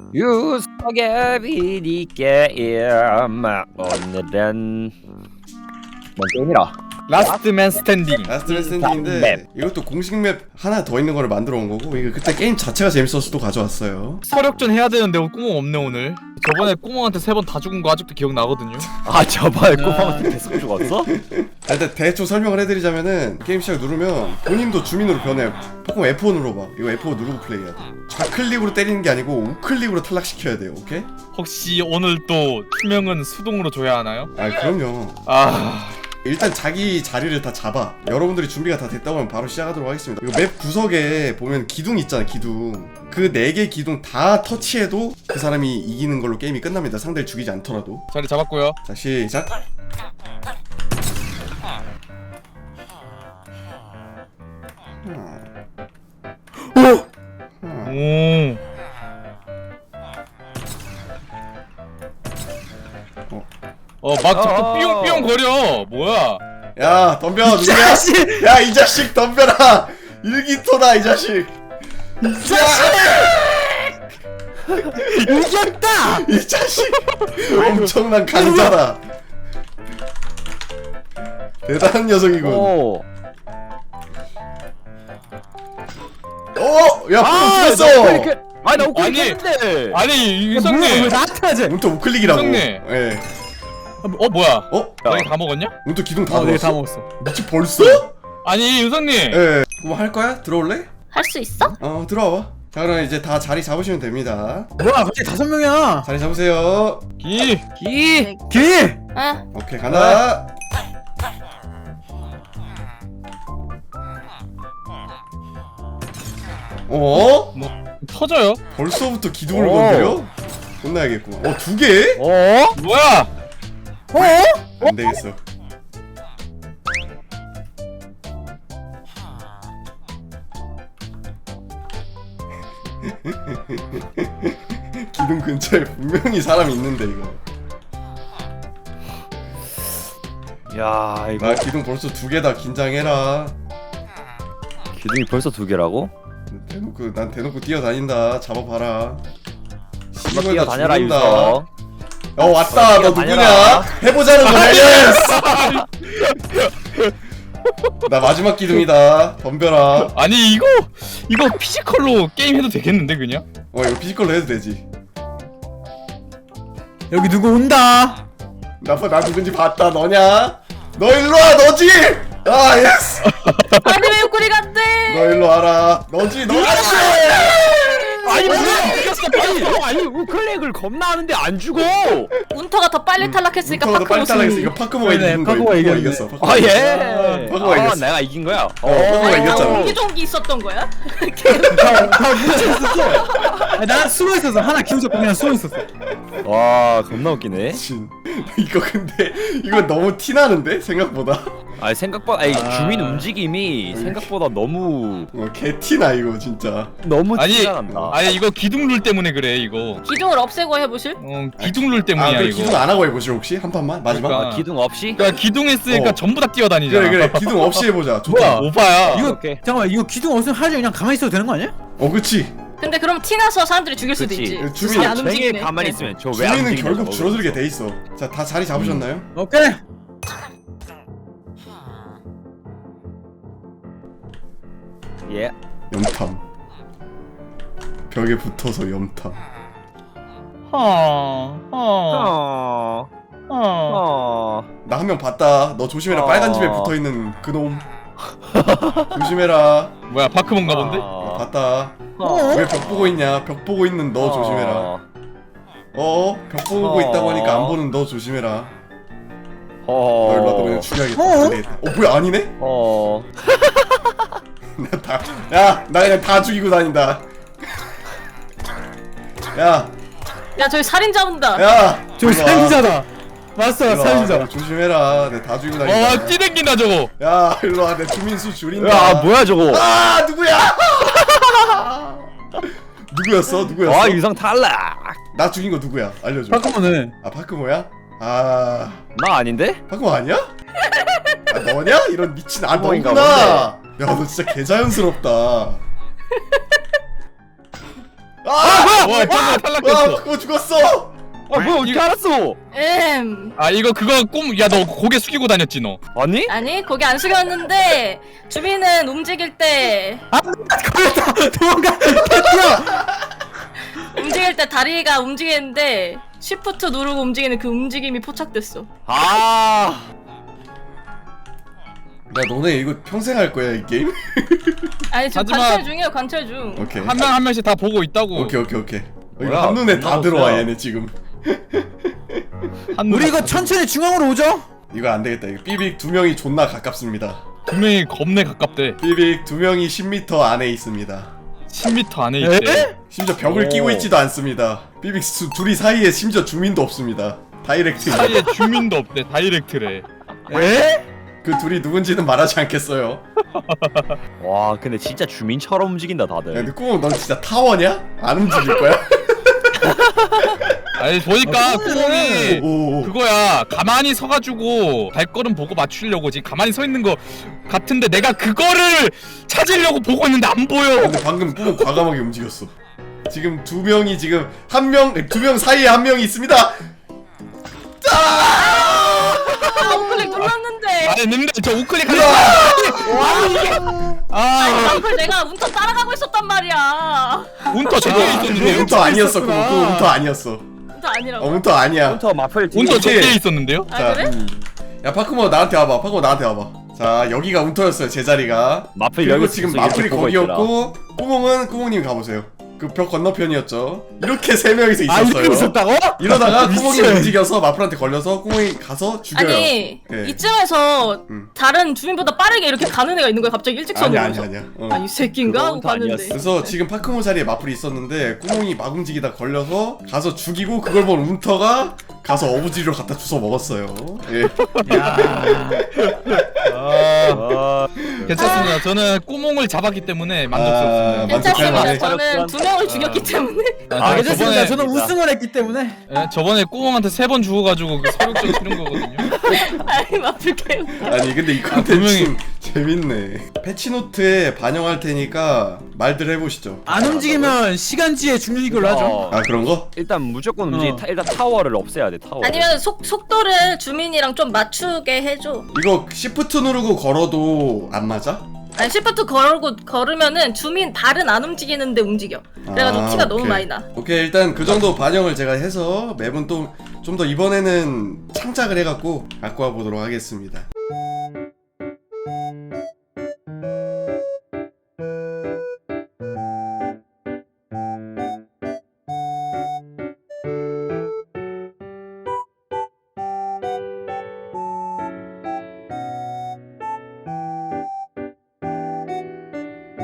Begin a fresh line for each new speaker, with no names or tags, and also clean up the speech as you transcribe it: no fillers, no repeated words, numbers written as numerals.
유석의 비디 게임. 오늘은 뭔 게임이라?
라스트맨 스탠딩.
라스트 스탠딩인데 이것도 공식 맵 하나 더 있는 거를 만들어 온 거고, 이거 그때 게임 자체가 재밌어서 또 가져왔어요.
서력전 해야 되는데 꾸멍 없네 오늘. 저번에 꾸멍한테 3번 다 죽은 거 아직도 기억나거든요.
아 저번에 꼬마한테 계속 죽었어?
일단 대충 설명을 해드리자면은, 게임 시작 누르면 본인도 주민으로 변해요. 포켓몬 F1 눌러봐. 이거 F1 누르고 플레이해야 돼. 좌클릭으로 때리는 게 아니고 우클릭으로 탈락시켜야 돼요. 오케이?
혹시 오늘 또 투명은 수동으로 줘야 하나요?
아 그럼요. 일단 자기 자리를 다 잡아. 여러분들이 준비가 다 됐다고 하면 바로 시작하도록 하겠습니다. 이거 맵 구석에 보면 기둥 있잖아, 기둥. 그 4개 기둥 다 터치해도 그 사람이 이기는 걸로 게임이 끝납니다. 상대를 죽이지 않더라도.
자리 잡았고요.
자, 시작.
오. 막 자꾸 삐용삐용 거려. 뭐야?
야, 덤벼. 누구야? 야, 이 자식 덤벼라. 일기토다, 이 자식. 이 자식!
이겼다!
이 자식! 엄청난 강자다. 대단한 녀석이군.
오.
야, 죽었어.
아니 나
아니,
우클릭 했는데.
아니 유성님.
나한테 하지?
운터 우클릭이라고.
형님.
예.
뭐야?
야,
너희 다 먹었냐?
운터 기둥 다 넣었어.
다 먹었어.
미치 벌써?
아니 유성님.
예. 그럼 할 거야? 들어올래?
할 수 있어?
들어와봐. 자, 그럼 이제 다 자리 잡으시면 됩니다.
뭐야 갑자기 5명이야?
자리 잡으세요.
기.
응.
오케이, 간다. 어?
뭐 터져요?
벌써부터 기둥을
오.
건드려? 혼나야겠구만. 2개?
뭐야?
안 되겠어. 기둥 근처에 분명히 사람이 있는데 이거.
야 이거
나 기둥 벌써 2개다. 긴장해라.
기둥이 벌써 2개라고?
난 대놓고 뛰어다닌다. 잡아봐라.
한번 뛰어다녀라 유석.
왔다. 너 누구냐?
다녀라.
해보자는 거야. 예스. 나 마지막 기둥이다. 덤벼라.
아니 이거 피지컬로 게임 해도 되겠는데 그냥?
이거 피지컬로 해도 되지.
여기 누구 온다.
나 누군지 봤다. 너냐? 너 일로 와. 너지? 아 예스.
아니 왜 우클릭 안 돼?
너 일로 와라. 너지? 너지?
아니 뭐야? 아니 우클릭을 겁나 하는데 안 죽어.
운터가 더 빨리 탈락했으니까
운터가 더 빨리
파크모스.
탈락했어. 이거 파크모가 이긴 거야.
파크모가
이겼어.
아 예.
파크모가 이겼어.
내가 이긴 거야.
파크모가 이겼잖아.
옹기종기 있었던 거야?
난 숨어 있었어. 하나 키우자고 그냥 숨어 있었어.
와 겁나 웃기네.
진. 이거 근데 이거 너무 티 나는데 생각보다.
아니 생각보다 주민 움직임이 생각보다 너무
개 티나 이거 진짜.
너무
아니
티가 난다.
아니 이거 기둥룰 때문에 그래 이거.
기종을 없애고 해보실?
기둥룰 때문이야
그
이거.
기둥 안 하고 해보실 혹시 한 판만 마지막?
그러니까.
기둥 없이?
그러니까 기둥 했으니까
어.
전부 다 뛰어다니잖아.
그래 기둥 없이 해보자. 좋다.
뭐야?
오빠야.
이거
오케이.
잠깐만 이거 기둥 없으면 하지 그냥 가만히 있어도 되는 거 아니야?
그치.
근데 그럼 티나서 사람들이 죽일 수도
그치.
있지.
주민-
주민이 안
쟁에
움직이네.
가만히
네.
있으면 저 왜 안
주민은
움직이냐고
결국 줄어들게
그러면서.
돼 있어. 자, 다 자리 잡으셨나요?
오케이.
예.
염탐. 벽에 붙어서 염탐.
어.
나 한 명 봤다. 너 조심해라. 빨간 집에 붙어 있는 그놈. 조심해라.
뭐야 파크몬가 본데?
봤다. 왜 벽 보고 있냐? 벽 보고 있는 너 조심해라. 벽 보고 있다고 하니까 안 보는 너 조심해라. 너 일로 와. 너 그냥 죽여야겠다. 안 되겠다. 뭐야 아니네? 나 그냥 다 죽이고 다닌다. 야,
야 저기 살인자 온다.
야.
저기
일로 와.
살인자다. 맞어
일로 와.
살인자.
조심해라. 내가 다 죽이고 다닌다.
뛰댕긴다 저거.
야, 일로 와. 내 주민수 줄인다.
야 뭐야 저거?
아, 누구야? 누구였어?
와 유성 탈락.
나 죽인 거 누구야? 알려줘.
파크몬은
파크모야? 나
아닌데?
파크모 아니야? 너냐? 이런 미친.
파크모인가
너구나. 야, 너 진짜 개자연스럽다.
와 짱구 탈락했어.
그거 죽었어.
아 뭐야 어떻게 알았어?
아 이거 그거 야 너 고개 숙이고 다녔지 너.
아니?
아니 고개 안 숙였는데 주민은 움직일 때
걸렸다. 도망가. 뛰어.
움직일 때 다리가 움직이는데 쉬프트 누르고 움직이는 그 움직임이 포착됐어.
아
야 너네 이거 평생 할 거야 이 게임?
아니 지금
하지만-
관찰 중이에요 관찰 중.
오케이.
한 명 한 명씩 다 보고 있다고.
오케이. 이거
뭐야,
한눈에 다
겁나
들어와
없어요.
얘네 지금.
우리 이거 천천히 중앙으로 오죠?
이거 안 되겠다. 이거 삐빅 두 명이 존나 가깝습니다.
분명히 겁내 가깝대.
삐빅 두 명이 10m 안에 있습니다.
10m 안에 있대.
심지어 벽을
오.
끼고 있지도 않습니다. 삐빅 둘이 사이에 심지어 주민도 없습니다. 다이렉트.
사이에 주민도 없대. 다이렉트래.
에?
그 둘이 누군지는 말하지 않겠어요.
와 근데 진짜 주민처럼 움직인다
야,
다들.
근데 꾸몽 넌 진짜 타워냐? 안 움직일 거야?
아니 보니까 구멍이
오.
그거야. 가만히 서가지고 발걸음 보고 맞추려고 지금 가만히 서 있는 거 같은데 내가 그거를 찾으려고 보고 있는데 안 보여.
근데 방금 꾸몽 과감하게 움직였어. 지금 두 명이 지금 두 명 사이에 한 명이 있습니다.
아 우클릭 눌렀는데.
아니 근데 저 우클릭 하는
아니 남플 내가 운터 따라가고 있었단 말이야.
운터 저기에
그거
있었는데요?
운터 아니었어. 그거 운터 아니었어.
운터 아니라고.
운터 아니야.
헌터 마플 뒤에.
운터
이게-
저기에 있었는데요?
아 그래?
야 파크모 나한테 와봐. 파크모 나한테 와봐. 자 여기가 운터였어요 제자리가.
마플
그리고
여기
지금
있었어,
마플이
이렇게 보고 있더라.
거기였고 꾸몽은 꾸몽님 가보세요. 그 벽 건너편이었죠. 이렇게 세 명이서
아
있었어요.
이러고 있었다고?
이러다가 꾸몽이
미친.
움직여서 마플한테 걸려서 꾸몽이 가서 죽여요.
아니
네.
이쯤에서
음.
다른 주민보다 빠르게 이렇게 가는 애가 있는 거야 갑자기 일직선으로.
아니야.
아니 이 새끼인가 하고
그건 또
봤는데.
아니었어.
그래서 지금 파크모 자리에 마플이 있었는데 꾸몽이 막 움직이다 걸려서 가서 죽이고 그걸 본 운터가 가서 어부지리로 갖다 주워 먹었어요. 예.
아,
괜찮습니다. 저는 꾸몽을 잡았기 때문에 만족스럽습니다.
괜찮습니다.
만족할
저는 두 명을 죽였기 때문에.
아 괜찮습니다. 저는
저번에-
우승을 했기 때문에.
예, 저번에 꾸몽한테 3번 죽어가지고 그 서력점 치는 거거든요.
아니 마플 게임.
아니 근데 이 콘텐츠 재밌네. 패치노트에 반영할 테니까 말들 해보시죠.
안 움직이면 시간지에 죽는 걸로 하죠.
아 그런 거?
일단 무조건 움직이.
어.
일단 타워를 없애야 돼 타워.
아니면 속도를 주민이랑 좀 맞추게 해줘.
이거 시프트 누르고 걸어도 안 맞아?
아니 시프트 걸으면은 주민 발은 안 움직이는데 움직여. 그래가지고
아,
티가 너무
오케이.
많이 나.
오케이 일단 그 정도 반영을 제가 해서 맵은 또 좀 더 이번에는 창작을 해갖고 갖고 와보도록 하겠습니다.